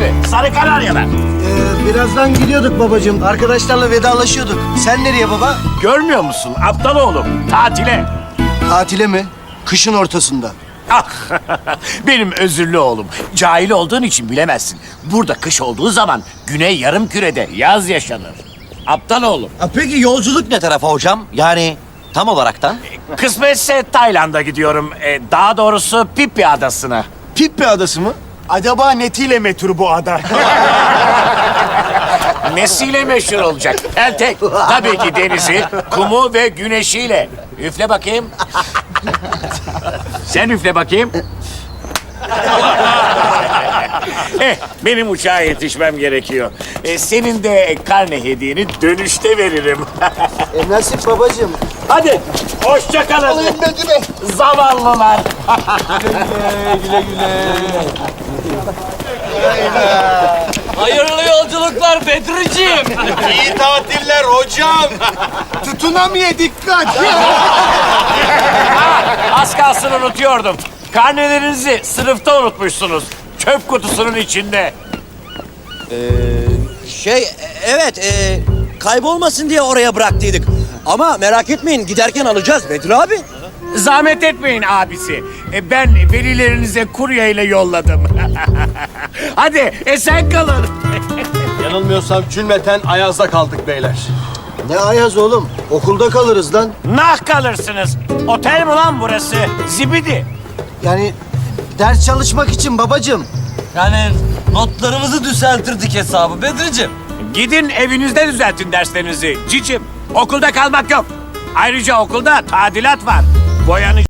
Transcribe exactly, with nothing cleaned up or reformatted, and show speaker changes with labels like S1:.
S1: mi? Sarı Kanaryalar.
S2: Ee, birazdan gidiyorduk babacığım. Arkadaşlarla vedalaşıyorduk. Sen nereye baba?
S1: Görmüyor musun aptal oğlum? Tatile.
S2: Tatile mi? Kışın ortasında.
S1: Ah, benim özürlü oğlum. Cahil olduğun için bilemezsin. Burada kış olduğu zaman güney yarımkürede yaz yaşanır. Aptal oğlum.
S3: Ha, peki yolculuk ne tarafa hocam? Yani tam olaraktan?
S1: Kısmetse Tayland'a gidiyorum. Ee, daha doğrusu Phi Adası'na.
S2: Pippi adası mı? Acaba netiyle metruk bu ada?
S1: Nesiyle meşhur olacak? Eltek. Tabii ki denizi, kumu ve güneşiyle. Üfle bakayım. Sen üfle bakayım. Eh, benim uçağa yetişmem gerekiyor. Eh, senin de karne hediyeni dönüşte veririm.
S2: E nasip babacığım.
S1: Hadi, hoşça kalın. Zavallılar.
S4: Hayırlı yolculuklar Bedriciğim.
S5: İyi tatiller hocam.
S2: Tutunamıyor, dikkat.
S1: Az kalsın unutuyordum. Karnelerinizi sınıfta unutmuşsunuz. Çöp kutusunun içinde.
S3: Şey, e, evet, e, kaybolmasın diye oraya bıraktıydık. Ama merak etmeyin, giderken alacağız Bedri abi.
S1: Zahmet etmeyin abisi. E, Ben velilerinize kurye ile yolladım. Hadi esen kalın.
S5: Yanılmıyorsam cümleten Ayaz'da kaldık beyler.
S2: Ne ayaz oğlum? Okulda kalırız lan.
S1: Nah kalırsınız. Otel mi lan burası? Zibidi.
S2: Yani ders çalışmak için babacığım.
S4: Yani notlarımızı düzeltirdik hesabı Bedriciğim.
S1: Gidin evinizde düzeltin derslerinizi cicim. Okulda kalmak yok. Ayrıca okulda tadilat var. Boyanı